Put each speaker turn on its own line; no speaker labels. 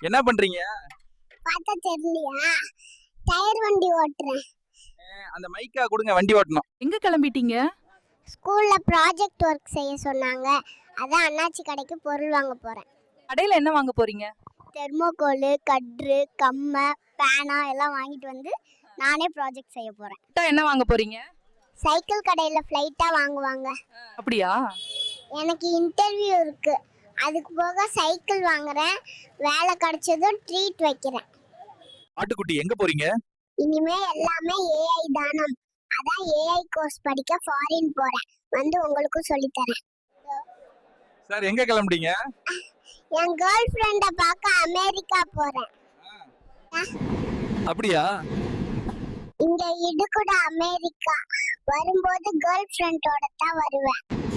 என்ன பண்றீங்க?
பார்த்தா தெரியலையா? டயர் வண்டி ஓட்டுறேன்.
அந்த மைக்கா கொடுங்க, வண்டி ஓட்டணும்.
எங்க கிளம்பிட்டீங்க?
ஸ்கூல்ல ப்ராஜெக்ட் ஒர்க் செய்ய சொன்னாங்க. அதான் அண்ணாச்சி கடைக்கு பொருள் வாங்க போறேன்.
கடையில என்ன வாங்க போறீங்க?
தெர்மோகோல், கட்ரு, கம்மை, பேனா எல்லாம் வாங்கிட்டு வந்து நானே ப்ராஜெக்ட் செய்ய போறேன்.
என்ன வாங்க போறீங்க?
சைக்கிள் கடையில ஃப்ளைட்டா வாங்குவாங்க.
அப்படியா?
எனக்கு இன்டர்வியூ இருக்கு. அதுக்கு போக சைக்கிள் வாங்குறேன். வேலை கிடைச்சதும் ட்ரீட் வைக்கிறேன்.
ஆட்டுக்குட்டி எங்க போறீங்க?
இனிமே எல்லாமே ஏஐ தானம். அதான் ஏஐ கோர்ஸ் படிக்க ஃபாரின் போறேன். வந்து உங்களுக்கும் சொல்லித் தரேன்.
சார் எங்க கிளம்புறீங்க?
என் கேர்ள் ஃப்ரெண்ட பார்க்க அமெரிக்கா போறேன்.
அப்படியா?
இங்க இடுக்குட அமெரிக்கா. வரும்போது கேர்ள் ஃப்ரெண்டோட தான் வருவேன்.